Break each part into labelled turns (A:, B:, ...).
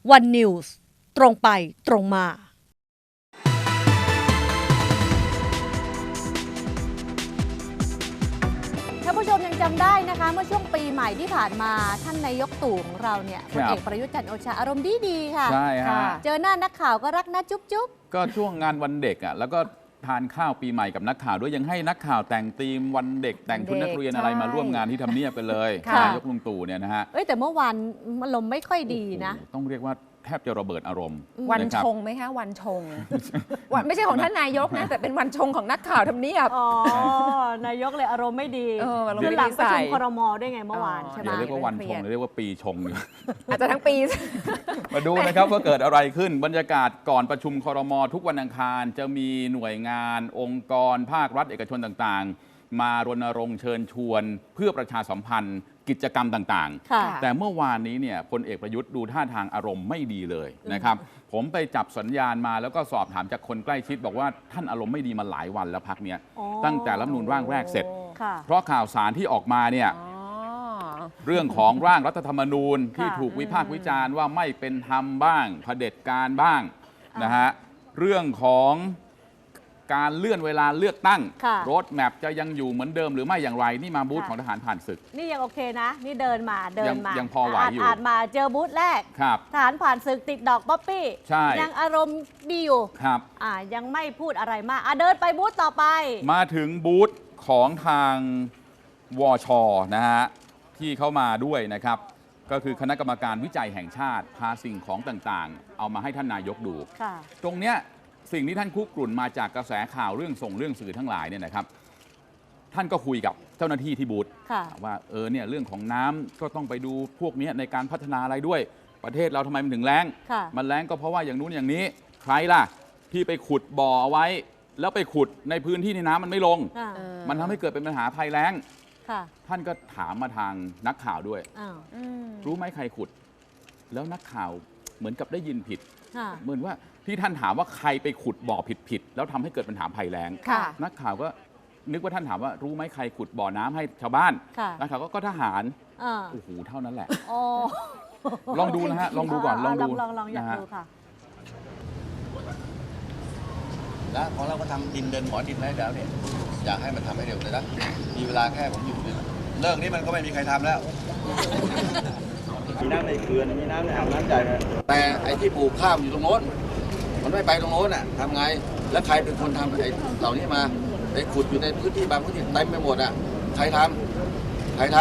A: วันนิวส์ตรงไปตรงมาท่านผู้ชมยังจำได้นะคะเมื่อช่วงปีใหม่ที่ผ่านมาท่านนายกตู่ของเราเนี่ยพลเอกประยุทธ์จันทร์โอชาอารมณ์ดีค่ะ
B: ใช่ฮะ
A: เจอหน้านักข่าวก็รักนะจุ๊บจุ๊บ
B: ก็ช่วงงานวันเด็กอ่ะแล้วก็ทานข้าวปีใหม่กับนักข่าวด้วยยังให้นักข่าวแต่งธีมวันเด็กแต่งชุดนักเรียนอะไรมาร่วมงานที่ทำเนียบกันเลยนายกลุงตู่เนี่ยนะฮะ
A: แต่เมื่อวานอารมณ์ไม่ค่อยดีนะ
B: ต้องเรียกว่าแทบจะระเบิดอารมณ์
C: วันชงไหมคะวันชงวันไม่ใช่ของท่านนายกนะแต่เป็นวันชงของนักข่าวทำเนียบ
A: นายกเลยอารมณ์ไม่ดี
C: อารมณ์ไม่ดี
A: หลังประชุมครม.ด้วยไงเมื่อวานใช่ไหม
B: อย่าเรียกว่าวันชงเรียกว่าปีชง
C: อาจจะทั้งปี
B: มาดูนะครับว่าเกิดอะไรขึ้นบรรยากาศก่อนประชุมครม.ทุกวันอังคารจะมีหน่วยงานองค์กรภาครัฐเอกชนต่างๆมารณรงค์เชิญชวนเพื่อประชาสัมพันธ์กิจกรรมต่างๆแต่เมื่อวานนี้เนี่ยพลเอกประยุทธ์ดูท่าทางอารมณ์ไม่ดีเลยนะครับผมไปจับสัญญาณมาแล้วก็สอบถามจากคนใกล้ชิดบอกว่าท่านอารมณ์ไม่ดีมาหลายวันแล้วพักเนี้ยตั้งแต่รัฐธรรมนูญร่างแรกเสร็จเพราะข่าวสารที่ออกมาเนี่ยเรื่องของร่างรัฐธรรมนูญที่ถูกวิพากษ์วิจารณ์ว่าไม่เป็นธรรมบ้างเผด็จการบ้างนะฮะเรื่องของการเลื่อนเวลาเลือกตั้งรถแมพจะยังอยู่เหมือนเดิมหรือไม่อย่างไรนี่มาบูธของทหารผ่านศึก
A: นี่ยังโอเคนะนี่เดินมา
B: ยังพอไหวอยู่
A: อ่านมาเจอบูธแรกทหารผ่านศึกติดดอกป๊อปปี้ยังอารมณ์ดีอยู่
B: ครับ
A: ยังไม่พูดอะไรมากเดินไปบูธต่อไป
B: มาถึงบูธของทางวช.นะฮะที่เข้ามาด้วยนะครับก็คือคณะกรรมการวิจัยแห่งชาติพาสิ่งของต่างๆเอามาให้ท่านนายกดูตรงเนี้ยสิ่งที่ท่านคุกรุ่นมาจากกระแสข่าวเรื่องสื่อทั้งหลายเนี่ยนะครับท่านก็คุยกับเจ้าหน้าที่ที่บูธว่าเนี่ยเรื่องของน้ำก็ต้องไปดูพวกนี้ในการพัฒนาอะไรด้วยประเทศเราทำไมมันถึงแล้งมันแล้งก็เพราะว่าอย่างนู้นอย่างนี้ใครล่ะที่ไปขุดบ่อเอาไว้แล้วไปขุดในพื้นที่ที่น้ำมันไม่ลงมันทำให้เกิดเป็นปัญหาภัยแล้งท่านก็ถามมาทางนักข่าวด้วยรู้ไหมใครขุดแล้วนักข่าวเหมือนกับได้ยินผิดเหมือนว่าที่ท่านถามว่าใครไปขุดบ่อผิดแล้วทำให้เกิดปัญหาภัยแล้งนักข่าวก็นึกว่าท่านถามว่ารู้ไหมใครขุดบ่อน้ำให้ชาวบ้านนักข่าวก็ทหารโอ้โหเท่านั้นแหละลองดูนะฮะลองดูก่อนลองดู
A: อยากดูค่ะ
D: แล้วของเราก็ทำดินเดินหมอดินให้แล้วเนี่ยอยากให้มันทำให้เร็วเลยนะมีเวลาแค่ผมอยู่เนี่ยเลิกนี้มันก็ไม่มีใครทำแล้วมีน้ำในเขื่อนมีน้ำในอ่างน้ำใจแต่ไอ้ที่ปลูกข้าวอยู่ตรงโน้นมันไม่ไปตรงโน้นอ่ะทำไงแล้วใครเป็นคนทำไอ้เหล่านี้มาไปขุดอยู่ในพื้นที่บางพื้นที่เต็มไปหมดอ่ะใครทำใคร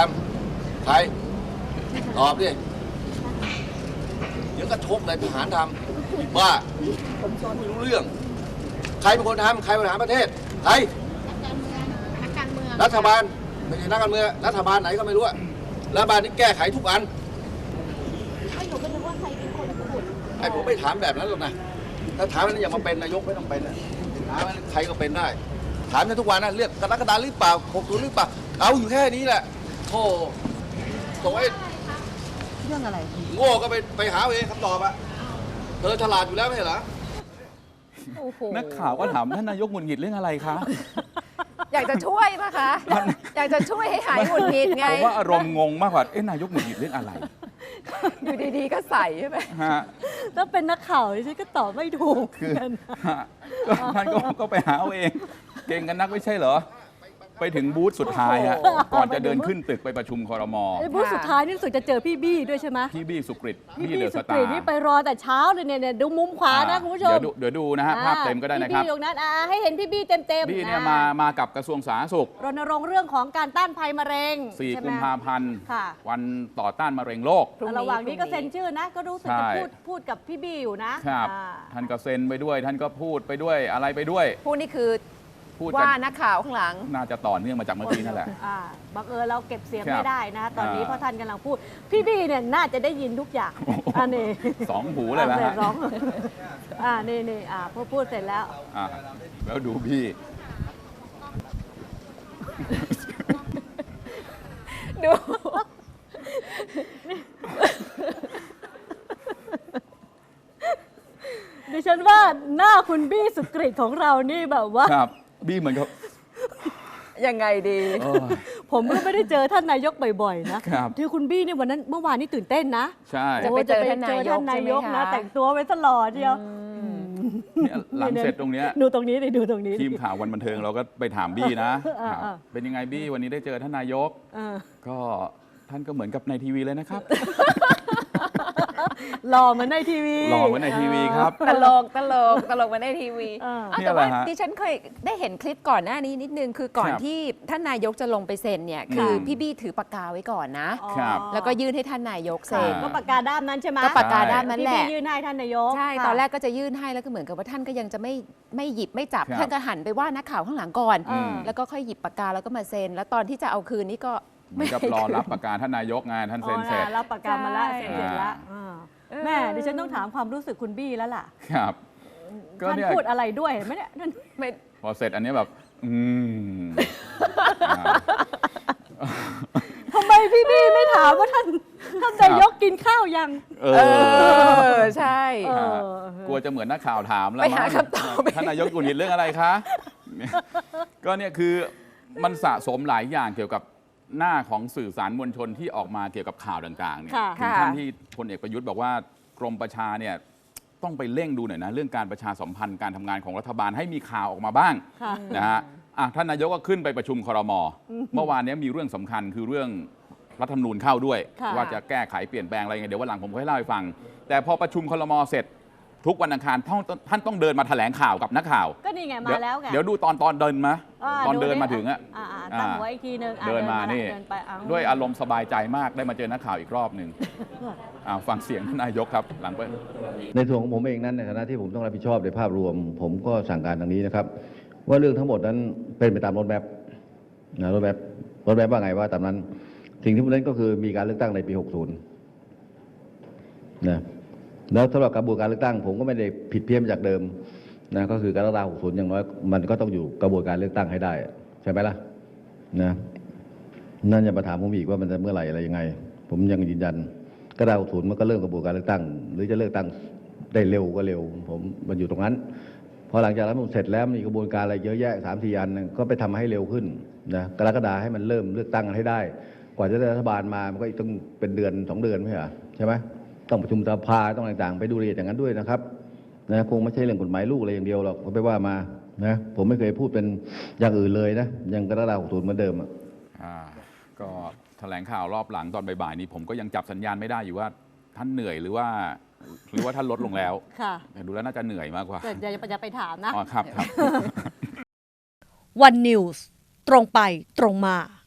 D: ตอบดิเดี๋ยวก็ชกเลยทหารทำว่าไม่รู้เรื่องใครเป็นคนทำใครบริหารประเทศใครรัฐบาลไม่ใช่นักการเมืองรัฐบาลไหนก็ไม่รู้รัฐบาลนี้แก้ไขทุกอันไอ้ผมไม่ถามแบบนั้นหรอกนะถ้าถามนั้นอย่ามาเป็นนายกไม่ต้องเป็นนะถามใครก็เป็นได้ถามในทุกวันนะเลือกกรกฎาคมหรือเปล่า60หรือเปล่าเอาอยู่แค่นี้แหละโธ่ส่งไอ้
A: เรื่องอะไร
D: โง่ก็ไปหาเองคำตอบอะเธอฉลาดอยู่แล้วไม่ใช่เหรอ
B: นักข่าวก็ถามท่านนายกหงุดหงิดเรื่องอะไรคะ
C: อยากจะช่วยนะคะอยากจะช่วยให้หายหงุดหงิดไง
B: ผมว่าอารมณ์งงมากกว่านายกหงุดหงิดเรื่องอะไร
C: อยู่ดีๆก็ใส่ใช่ไหม
A: ถ้าเป็นนักข่าวดิฉันก็ตอบไม่ถูกกัน
B: ท่านก็ไปหาเอาเองเก่งกันนักไม่ใช่เหรอไปถึงบูธสุดท้ายฮะก่อนจะเดินขึ้นตึกไปประชุมครม.
A: บูธสุดท้ายนี่รู้สึกจะเจอพี่บี้ด้วยใช่ไหม
B: พี่บี้สุกฤต
A: พี่บี้สุกฤตนี่ไปรอแต่เช้าเลยเนี่ยดูมุมขวานะคุณผู้ชม
B: เดี๋ยวดูนะฮะภาพเต็มก็ได้นะครับ
A: พี่บี้ตรงนั้นให้เห็นพี่บี้เต็ม
B: พี่เนี่ยมากับกระทรวงสาธารณสุข
A: รณรงค์เรื่องของการต้านภัยมะเร็ง
B: 4 กุมภาพันธ์วันต่อต้านมะเร็งโลก
A: ระหว่างนี้ก็เซ็นชื่อนะก็รู้สึกจะพูดกับพี่บี้อยู่นะครับ
B: ท่านก็เซ็นไปด้วยท่านก็พูดไปด้วยอะไรไปด้วย
C: พูดนี่คือว่านักข่าวข้างหลัง
B: น่าจะต่อเนื่องมาจากเมื่อกี้นั่นแหละ
A: บังเอิญเราเก็บเสียงไม่ได้นะตอนนี้เพราะท่านกำลังพูดพี่บี้เนี่ยน่าจะได้ยินทุกอย่างนี่
B: 2 หูเลยนะฮะ
A: นี่พอพูดเสร็จแล้ว
B: แล้วดูพี่
A: ดูดิฉันว่าหน้าคุณบี้สุกฤตของเรานี่แบบว่า
B: ครับบี้เหมือนกับ
C: ยังไงดี
A: ผมก็ไม่ได้เจอท่านนายกบ่อยๆนะครับ ที่คุณบี้เนี่ยเมื่อวานนี่ตื่นเต้นนะ
B: ใช่
C: จะ ไปเจอท่านนายก
A: ท่านนายก
C: ใช่ไหม
A: นะ
C: คะ
A: แต่งตัวไว้ตลอดเดียว
B: เนี่ยหลังเสร็จตรงเนี้ย
A: ดูตรงนี้ดิดูตรงนี้ดิ
B: ทีมข่าววันบันเทิงเราก็ไปถามบี้นะ
A: อ่า
B: ครับเป็นยังไงบี้วันนี้ได้เจอท่านนายก
A: อ่า
B: ก็ท่านก็เหมือนกับในทีวีเลยนะครับ
A: หล่อเหมือนในทีวี
B: หล่อเหมือนในทีวีครับ
C: ตลกมาในทีวี
A: อ่า
C: อ้าว
B: เนี่ย
C: แต่ว่า
B: แหละฮะ
C: ดิฉันเคยได้เห็นคลิปก่อนหน้านี้นิดนึงคือก่อน
B: ครับ
C: ที่ท่านนายกจะลงไปเซ็นเนี่ยคือพี่บี้ถือปากกาไว้ก่อนนะ
A: อ๋อ
B: ครับ
C: แล้วก็ยื่นให้ท่านนายก
A: ค่ะ
C: เซ็น
A: ก็ปากกาด้ามนั้นใช่ไหม
C: ก็ปากกาด้ามนั้นแหละ
A: ที่พี่ยื่นให้ท่านนายก
C: ใช่
A: ค่ะ
C: ตอนแรกก็จะยื่นให้แล้วก็เหมือนกับว่าท่านก็ยังจะไม่หยิบไม่จับ
B: ครับ
C: ท่านก็หันไปว่านักข่าวข้างหลังก่อน
A: อืม
C: แล้วก็ค่อยหยิบปากกาแล้วก็มาเซ็น แล้วตอนที่จะเอาคืนนี่ก็
B: เหมือนกับรอรับประกาศท่านนายกไงท่านเซ็นเสร็จ
A: รับปากกามาแล้ว
C: ใช่
A: เซ็นเสร็จแล้วแม่ดิฉันต้องถามความรู้สึกคุณบี้แล้วล่ะ
B: ครับ ก็
A: ท่าน
B: เนี่ย
A: พูดอะไรด้วยเห็นไหมเนี่ยท่าน
C: ไม่
B: พอเสร็จอันนี้แบบ
A: ทำไมพี่บี้ไม่ถามว่าท่านนายกกินข้าวยัง
B: เอ
C: เอ
B: อ
C: อใช่
A: เออ
B: กลัวจะเหมือนนักข่าวถามแล้ว
C: ไปหา
B: มั้ง
C: คำตอบ
B: ท่านนายกกุนหิดเรื่องอะไรคะก็เนี่ยคือมันสะสมหลายอย่างเกี่ยวกับหน้าของสื่อสารมวลชนที่ออกมาเกี่ยวกับข่าวต่างๆเนี่ย
A: ค่ะ
B: ถึงขั้นที่พลเอกประยุทธ์บอกว่ากรมประชาเนี่ยต้องไปเร่งดูหน่อยนะเรื่องการประชาสัมพันธ์การทำงานของรัฐบาลให้มีข่าวออกมาบ้าง
A: ค่ะ
B: นะฮะท่านนายกก็ขึ้นไปประชุมครม. เมื่อวานนี้มีเรื่องสำคัญคือเรื่องรัฐธรรมนูญเข้าด้วย
A: ค่ะ
B: ว่าจะแก้ไขเปลี่ยนแปลงอะไรยังไงเดี๋ยววันหลังผมค่อยเล่าให้ฟัง แต่พอประชุมครม.เสร็จทุกวันอังคารท่านต้องเดินมาแถลงข่าวกับนักข่าว
A: ก็นี่ไงมาแล้วไง
B: เดี๋ยวดูตอนเดินมา ตอนเดินมาถึงอะ
A: ตั้งไว้อีกทีนึง
B: เดินมานี่
A: เดินไปเอา
B: ด้วยอารมณ์สบายใจมากได้มาเจอนักข่าวอีกรอบหนึ่งฟังเสียงท่านนายกครับหลังไป
D: ในส่วนของผมเองนั้นในฐานะที่ผมต้องรับผิดชอบในภาพรวม ผมก็สั่งการดังนี้นะครับ ว่าเรื่องทั้งหมดนั้นเป็นไปตามรถแมพนะรถแมพว่าไงว่าตามนั้น สิ่งที่ผมเน้นก็คือมีการเลือกตั้งในปี 60 นะแล้วสำหรับกระบวนการเลือกตั้ง ผมก็ไม่ได้ผิดเพี้ยนจากเดิมนะก็คือการเลือกตั้ง 60 อย่างน้อยมันก็ต้องอยู่กระบวนการเลือกตั้งให้ได้ใช่ไหมล่ะนะนั่นอย่ามาถามผมอีกว่ามันจะเมื่อไหร่อะไรยังไง ผมยังยืนยันก็ได้ 60 มันก็เริ่มกระบวนการเลือกตั้ง หรือจะเลือกตั้งได้เร็วก็เร็วผมมันอยู่ตรงนั้นพอหลังจากนั้นผมเสร็จแล้วมีกระบวนการอะไรเยอะแยะ 3-4 อันก็ไปทำให้เร็วขึ้นนะกรกฎาคมให้มันเริ่มเลือกตั้งกันให้ได้ กว่าจะได้รัฐบาลมามันก็อีกต้องเป็นเดือน 2 เดือนไม่ใช่เหรอใช่ไหมต้องประชุมสภาต้องต่างๆไปดูรายละเอียดอย่างนั้นด้วยนะครับนะคงไม่ใช่เรื่องกฎหมายลูกอะไรอย่างเดียวหรอกก็ไปว่ามานะผมไม่เคยพูดเป็นอย่างอื่นเลยนะยังกรกฎาคม 60 เหมือนเดิม
B: ก็แถลงข่าวรอบหลังตอนบ่ายๆนี้ผมก็ยังจับสัญญาณไม่ได้อยู่ว่าท่านเหนื่อยหรือว่าท่านลดลงแล้ว
A: ค่ะ
B: แต่ดูแล้วน่าจะเหนื่อยมากกว่า
A: แต่อย่าไปถามนะ
B: อ๋อครับ
A: วันนิวส์ตรงไปตรงมา